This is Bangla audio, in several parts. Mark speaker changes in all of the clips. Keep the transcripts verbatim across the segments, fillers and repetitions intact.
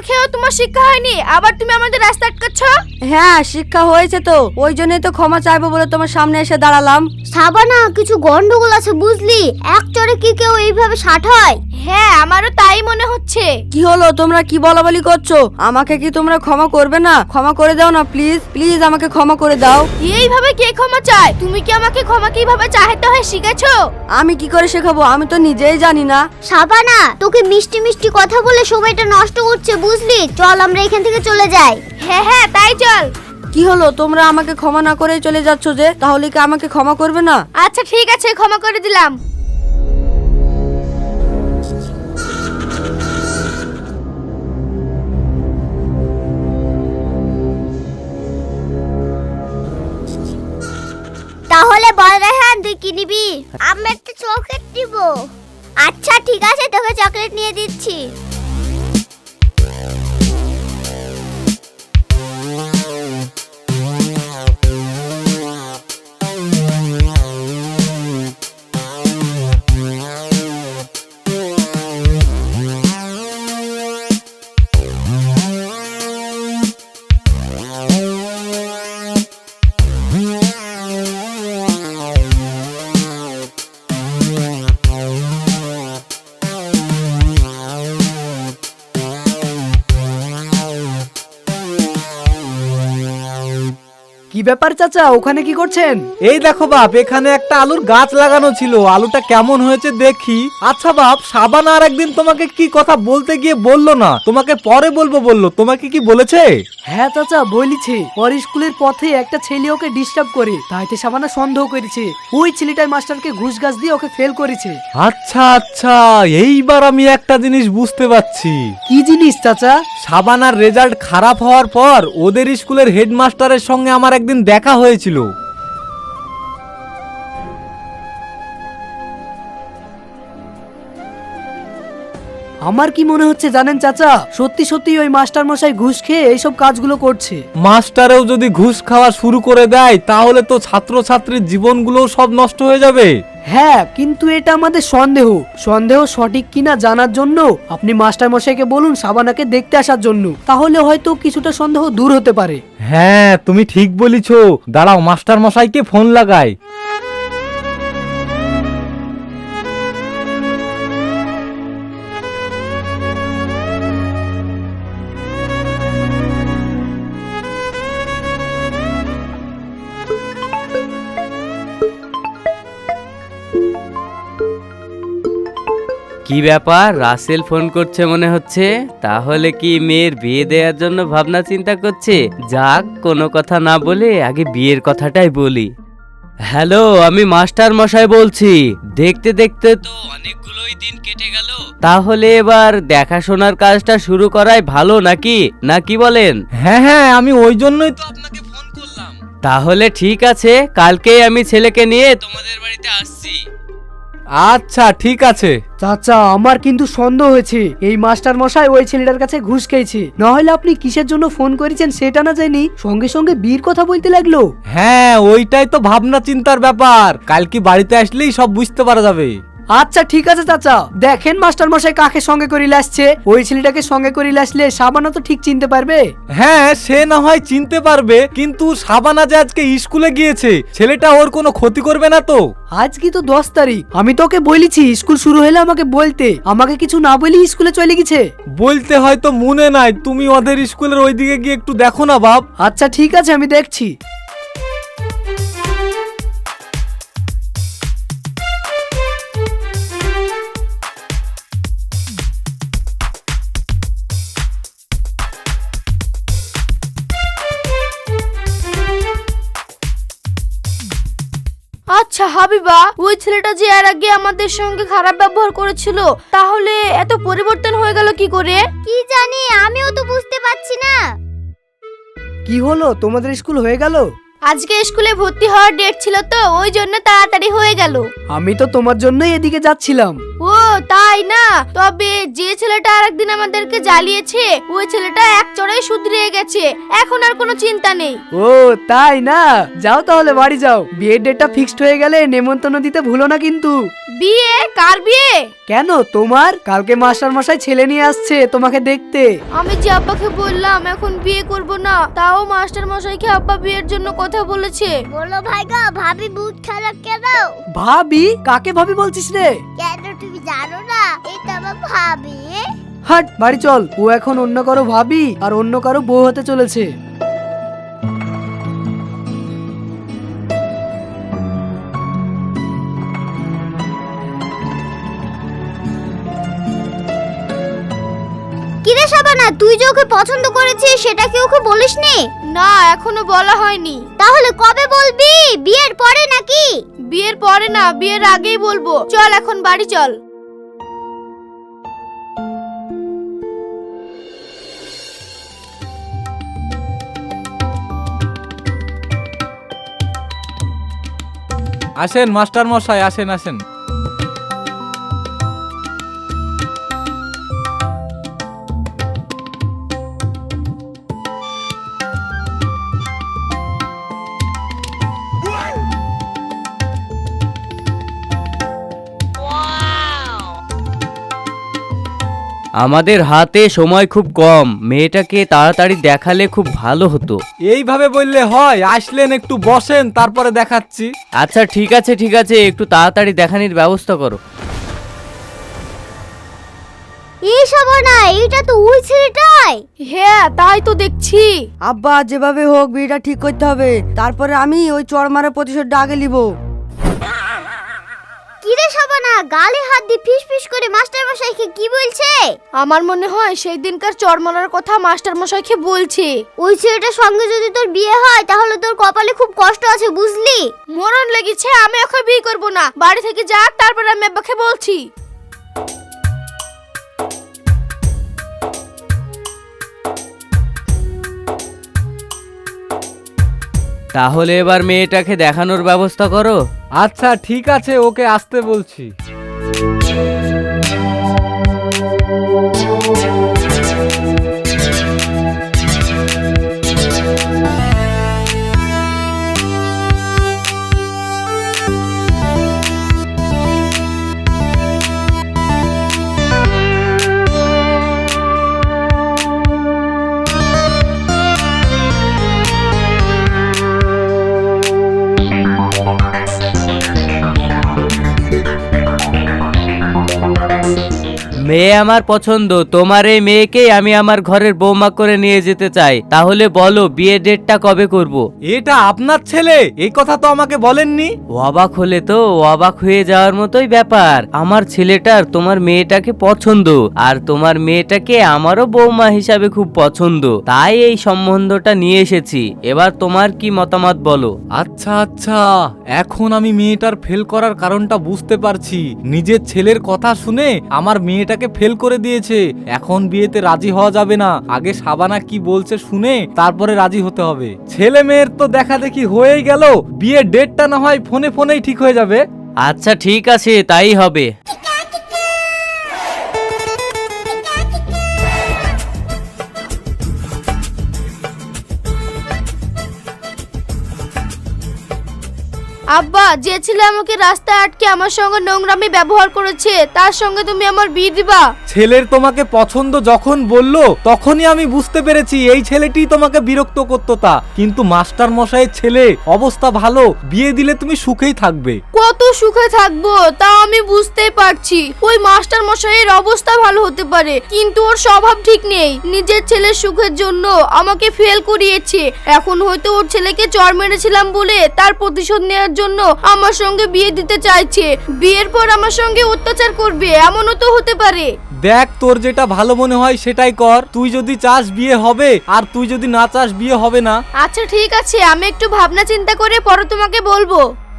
Speaker 1: খেয়েও তোমার শিক্ষা হয়নি, আবার তুমি আমাদের রাস্তা আটকাচ্ছ।
Speaker 2: হ্যাঁ শিক্ষা হয়েছে তো, ওই জন্যই তো ক্ষমা চাইবো বলে তোমার সামনে এসে দাঁড়ালাম।
Speaker 3: সাবানা, কিছু গন্ডগোল আছে বুঝলি, এক চড়ে কি কেউ এইভাবে ষাট হয়?
Speaker 1: হ্যাঁ আমারও তাই মনে হচ্ছে।
Speaker 2: কি হলো, তোমরা কি বলাবলি করছো? আমাকে কি তোমরা ক্ষমা করবে না? ক্ষমা করে দাও না প্লিজ, প্লিজ আমাকে ক্ষমা করে দাও।
Speaker 1: এইভাবে কে ক্ষমা চায়? তুমি কি আমাকে ক্ষমা কিভাবে চাইতে হয় শিখেছো?
Speaker 2: আমি কি করে শেখাবো, আমি তো নিজেই জানি না।
Speaker 3: সাবানা, তোকে মিষ্টি মিষ্টি কথা বলে সময়টা নষ্ট করছে বুঝলি, চল আমরা এখান থেকে চলে যাই।
Speaker 1: হ্যাঁ হ্যাঁ তাই চল।
Speaker 2: কি হলো, তোমরা আমাকে ক্ষমা না করেই চলে যাচ্ছ যে? তাহলে কি আমাকে ক্ষমা করবে না?
Speaker 1: আচ্ছা ঠিক আছে, ক্ষমা করে দিলাম।
Speaker 3: তাহলে বল রেহান, তুই কি নিবি? আমি একটা চকলেট নিব। আচ্ছা ঠিক আছে, তোকে চকলেট নিয়ে দিচ্ছি।
Speaker 4: কি ব্যাপার চাচা, ওখানে কি করছেন?
Speaker 5: এই দেখো বাপ, এখানে একটা আলুর গাছ লাগানো ছিল, আলুটা কেমন হয়েছে দেখি। আচ্ছা বাপ, সাবানা আর একদিন তোমাকে কি কথা বলতে গিয়ে বললো না, তোমাকে পরে বলবো বললো, তোমাকে কি বলেছে?
Speaker 4: হ্যাঁ চাচা বলিছে, ওর স্কুলের পথে একটা ছেলে ওকে ডিস্টার্ব করে, তাইতে সাবানা সন্দেহ করেছে ওই ছেলেটাই মাস্টারকে ঘুষ গাছ দিয়ে ওকে ফেল করেছে।
Speaker 5: আচ্ছা আচ্ছা, এইবার আমি একটা জিনিস বুঝতে পারছি।
Speaker 4: কি জিনিস চাচা?
Speaker 5: সাবানার রেজাল্ট খারাপ হওয়ার পর ওদের স্কুলের হেডমাস্টারের সঙ্গে আমার একদিন দেখা হয়েছিল।
Speaker 4: আমার কি মনে হচ্ছে জানেন চাচা, সত্যি সত্যি ওই মাস্টার মশাই ঘুষ খেয়ে এইসব কাজগুলো করছে।
Speaker 5: মাস্টারেও যদি ঘুষ খাওয়া শুরু করে দেয় তাহলে তো ছাত্রছাত্রীর জীবনগুলোও সব নষ্ট হয়ে যাবে।
Speaker 4: হ্যাঁ কিন্তু এটা আমাদের সন্দেহ, সন্দেহ সঠিক কিনা জানার জন্য আপনি মাস্টার মশাইকে বলুন সাবানাকে দেখতে আসার জন্য, তাহলে হয়তো কিছুটা সন্দেহ দূর হতে পারে।
Speaker 5: হ্যাঁ তুমি ঠিক বলিছো, দাঁড়াও মাস্টার মশাইকে ফোন লাগাই।
Speaker 6: কি ব্যাপার, রাসেল ফোন করছে মনে হচ্ছে? তাহলে কি মেয়ের বিয়ে দেওয়ার জন্য ভাবনা চিন্তা করছে? যাক, কোনো কথা না বলে আগে বিয়ের কথাটাই বলি। হ্যালো, আমি মাস্টার মশাই বলছি। দেখতে দেখতে তো অনেকগুলোই দিন কেটে গেল, তাহলে এবার দেখাশোনার কাজটা শুরু করাই ভালো নাকি, না কি বলেন?
Speaker 5: হ্যাঁ হ্যাঁ, আমি ওই জন্যই তো আপনাকে ফোন করলাম।
Speaker 6: তাহলে ঠিক আছে, কালকেই আমি ছেলেকে নিয়ে তোমাদের বাড়িতে আসছি।
Speaker 5: আচ্ছা ঠিক আছে।
Speaker 4: চাচা আমার কিন্তু সন্দেহ হয়েছে এই মাস্টার মশাই ওই ছেলেটার কাছে ঘুষ খেয়েছে, না হলে আপনি কিসের জন্য ফোন করেছেন সেটা না জানি সঙ্গে সঙ্গে বিয়ের কথা বলতে লাগলো।
Speaker 5: হ্যাঁ ওইটাই তো ভাবনা চিন্তার ব্যাপার, কালকে বাড়িতে আসলেই সব বুঝতে পারা যাবে।
Speaker 4: আচ্ছা ঠিক আছে চাচা, দেখেন মাস্টার মশাই কাকে সঙ্গে করে আসছে, ওই ছেলেটাকে সঙ্গে করে আসলে সাবানা তো ঠিক চিনতে পারবে।
Speaker 5: হ্যাঁ সে না হয় চিনতে পারবে, কিন্তু সাবানা যে আজকে স্কুলে গিয়েছে, ছেলেটা ওর কোনো ক্ষতি করবে না তো?
Speaker 4: আজ কি তো দশ তারিখ, আমি তোকে বলেছি স্কুল শুরু হলে আমাকে বলতে, আমাকে কিছু না বলি স্কুলে চলে গেছে।
Speaker 5: বলতে হয়তো মনে নাই, তুমি ওদের স্কুলের ওইদিকে গিয়ে একটু দেখো না বাপ।
Speaker 4: আচ্ছা ঠিক আছে, আমি দেখছি।
Speaker 1: আচ্ছা হাবিবা, ওই ছেলেটা যে এর আগে আমাদের সঙ্গে খারাপ ব্যবহার করেছিল, তাহলে এত পরিবর্তন হয়ে গেল কি করে?
Speaker 3: কি জানি, আমিও তো বুঝতে পারছি না।
Speaker 4: কি হলো, তোমাদের স্কুল হয়ে গেল?
Speaker 1: আজকে স্কুলে ভর্তি হওয়ার ডেট ছিল তো, ওই জন্য তাড়াতাড়ি হয়ে গেল।
Speaker 4: আমি তো তোমার জন্যই এদিকে যাচ্ছিলাম।
Speaker 1: ও তাই না? তবে যে ছেলেটা আরেকদিন আমাদেরকে জ্বালিয়েছে, ওই ছেলেটা এক চড়াই শুধরিয়ে গেছে, এখন আর কোনো চিন্তা নেই।
Speaker 4: ও তাই না, যাও তাহলে বাড়ি যাও, বিয়ের ডেটটা ফিক্সড হয়ে গেলে নেমন্তন্ন দিতে ভুলো না কিন্তু।
Speaker 1: বিয়ে? কার বিয়ে?
Speaker 4: কেন তোমার? কালকে মাস্টার মশাই ছেলে নিয়ে আসছে তোমাকে দেখতে।
Speaker 1: আমি যে আব্বাকে বললাম এখন বিয়ে করব না, তাও মাস্টার মশাইকে আব্বা বিয়ের জন্য কথা বলেছে।
Speaker 3: বলো ভাইগা, ভাবি বুট খারাপ কেন?
Speaker 4: ভাবি? কাকে ভাবি বলছিস রে?
Speaker 3: কেন তুমি জানো না এটা আমার ভাবি?
Speaker 4: হাট, বাড়ি চল। ও এখন অন্য কারো ভাবি আর অন্য কারো বউ হতে চলেছে।
Speaker 3: কিরে শাবানা, তুই যে ওকে পছন্দ করেছিস সেটা কি ওকে বলিসনি?
Speaker 1: না, এখনো বলা হয়নি।
Speaker 3: তাহলে কবে বলবি? বিয়ের পরে নাকি?
Speaker 1: বিয়ের পরে না, বিয়ের আগেই বলবো। চল এখন বাড়ি চল।
Speaker 5: আসেন মাস্টার মশাই, আসেন আসেন।
Speaker 6: আমাদের হাতে সময় খুব কম, মেয়েটাকে তাড়াতাড়ি দেখালে খুব ভালো হতো।
Speaker 5: এইভাবে বললে হয়? আসলেন, একটু বসেন, তারপরে দেখাচ্ছি।
Speaker 6: আচ্ছা ঠিক আছে ঠিক আছে, একটু তাড়াতাড়ি দেখানির ব্যবস্থা করো।
Speaker 3: এই শাবানা, এটা তো ওই ছেলেটাই।
Speaker 1: হ্যাঁ, তাই তো দেখছি।
Speaker 2: আব্বা যেভাবে হোক বিয়েটা ঠিক করতে হবে, তারপরে আমি ওই চড় মারা প্রতিশোধটা আগে নিব।
Speaker 3: কিরে শাবানা, গালে হাত দিয়ে ফিস ফিস করে মাস্টার মশাইকে কি বলছে?
Speaker 1: আমার মনে হয় সেই দিনকার চরমনার কথা মাস্টার মশাইকে বলছে।
Speaker 3: ওই ছেলেটার সঙ্গে যদি তোর বিয়ে হয় তাহলে তোর কপালে খুব কষ্ট আছে, বুঝলি?
Speaker 1: মরণ লেগেছে, আমি ওকে বিয়ে করব না। বাড়ি থেকে যাক, তারপর আমি আব্বাকে বলছি।
Speaker 6: তাহলে এবার মেয়েটাকে দেখানোর ব্যবস্থা করো।
Speaker 5: আচ্ছা ঠিক আছে, ওকে আসতে বলছি।
Speaker 6: মেয়ে আমার পছন্দ, তোমার এই মেয়েকেই আমি আমার ঘরের বৌমা করে নিয়ে যেতে চাই। তাহলে বলো বিয়ে ডেটটা কবে করব?
Speaker 5: এটা আপনার ছেলে? এই কথা তো আমাকে বলেননি।
Speaker 6: অবাক হলে তো অবাক হয়ে যাওয়ার মতোই ব্যাপার। আমার ছেলেটার তোমার মেয়েটাকে পছন্দ, আর তোমার মেয়েটাকে আমারও বৌমা হিসাবে খুব পছন্দ, তাই এই সম্বন্ধটা নিয়ে এসেছি। এবার তোমার কি মতামত বলো?
Speaker 5: আচ্ছা আচ্ছা, এখন আমি মেয়েটার ফেল করার কারণটা বুঝতে পারছি। নিজের ছেলের কথা শুনে আমার মেয়েটাকে ফেল করে দিয়েছে। এখন বিয়েতে রাজি হওয়া যাবে না, আগে শাবানা কি বলছে শুনে তারপরে রাজি হতে হবে। ছেলে মেয়ের তো দেখা দেখি হয়েই গেল, বিয়ের ডেটটা না হয় ফোনে ফোনেই ঠিক হয়ে যাবে।
Speaker 6: আচ্ছা ঠিক আছে, তাই হবে।
Speaker 1: আব্বা, যে ছেলে আমাকে রাস্তায় আটকে আমার সঙ্গে নোংরামি ব্যবহার করেছে, তার সঙ্গে তুমি আমার বিয়ে দিবা?
Speaker 5: ছেলের তোমাকে পছন্দ যখন বললো তখনই আমি বুঝতে পেরেছি এই ছেলেটি তোমাকে বিরক্ত করতো। তা কিন্তু মাস্টার মশাইয়ের ছেলে অবস্থা ভালো, বিয়ে দিলে তুমি সুখেই থাকবে।
Speaker 1: কত সুখে থাকবো তা আমি বুঝতেই পারছি। ওই মাস্টার মশাইয়ের অবস্থা ভালো হতে পারে, কিন্তু ওর স্বভাব ঠিক নেই। নিজের ছেলের সুখের জন্য আমাকে ফেল করিয়েছে। এখন হয়তো ওর ছেলেকে চর মেরেছিলাম বলে তার প্রতিশোধ নেওয়ার জন্য আমার সঙ্গে বিয়ে দিতে চাইছে। বিয়ের পর আমার সঙ্গে অত্যাচার করবে, এমনও তো হতে পারে।
Speaker 5: দেখ, তোর যেটা ভালো মনে হয় সেটাই কর। তুই যদি চাস বিয়ে হবে, আর তুই যদি না চাস বিয়ে হবে না।
Speaker 1: আচ্ছা ঠিক আছে, আমি একটু ভাবনা চিন্তা করে পরে তোমাকে বলবো।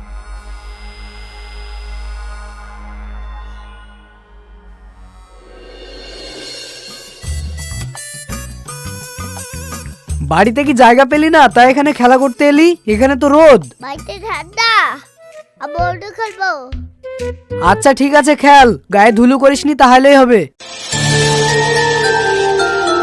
Speaker 4: বাড়িতে কি জায়গা পেলি না তাই এখানে খেলা করতে এলি? এখানে তো রোদ।
Speaker 3: বাড়িতে ঠান্ডা, আমি অন্য খেলবো।
Speaker 4: আচ্ছা ঠিক আছে, খেল, গায়ে ধুলো করিসনি তাহলেই হবে।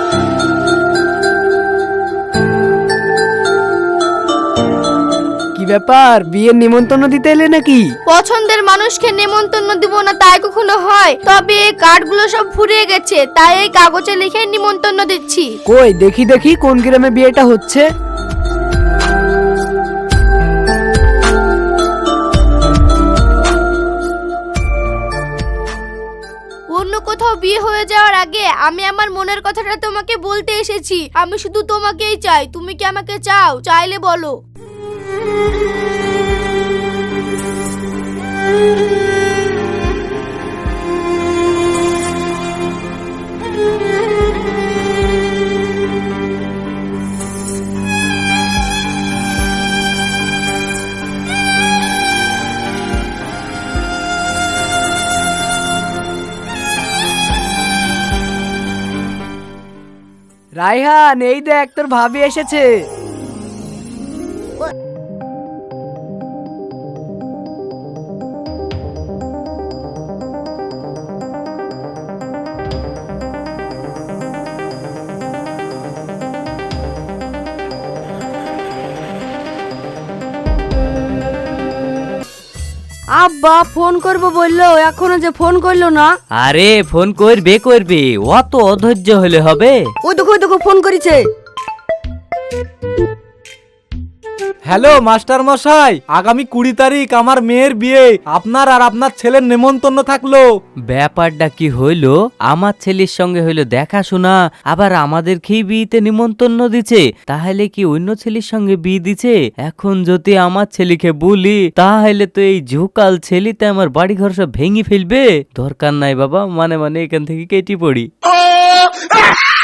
Speaker 4: কি ব্যাপার, বিয়ের নিমন্ত্রণ দিতে এলে নাকি?
Speaker 1: পছন্দের মানুষকে নেমন্তন্ন দিব না তাই কখনো হয়? তবে এই কার্ডগুলো সব ফুরিয়ে গেছে, তাই এই কাগজে লিখে নিমন্ত্রণ দিচ্ছি।
Speaker 4: কই দেখি দেখি কোন গ্রামে বিয়েটা হচ্ছে।
Speaker 1: অন্য কোথাও বিয়ে হয়ে যাওয়ার আগে আমি আমার মনের কথাটা তোমাকে বলতে এসেছি। আমি শুধু তোমাকেই চাই, তুমি কি আমাকে চাও? চাইলে বলো।
Speaker 4: রায়হান, এই দেখ তোর ভাবি এসেছে।
Speaker 2: আব্বা ফোন করবো বললো, এখনো যে ফোন করলো না।
Speaker 6: আরে ফোন করবে করবে, অত অধৈর্য হলে হবে?
Speaker 2: ওই দেখো ওই দেখো ফোন করেছে।
Speaker 5: হ্যালো মাস্টার মশাই, আগামী কুড়ি তারিখ আমার মেয়ের বিয়ে, আপনার আর আপনার ছেলের নেমন্তন্ন থাকলো।
Speaker 6: ব্যাপারটা কি হইলো? আমার ছেলের সঙ্গে হইলো দেখাশোনা, আবার আমাদেরকেই বিয়েতে নিমন্ত্রণ দিছে। তাহলে কি অন্য ছেলের সঙ্গে বিয়ে দিছে? এখন যদি আমার ছেলেকে বলি তাহলে তো এই ঝুকাল ছেলেতে আমার বাড়ি ঘর সব ভেঙে ফেলবে। দরকার নাই বাবা, মানে মানে এখান থেকে কেটে পড়ি।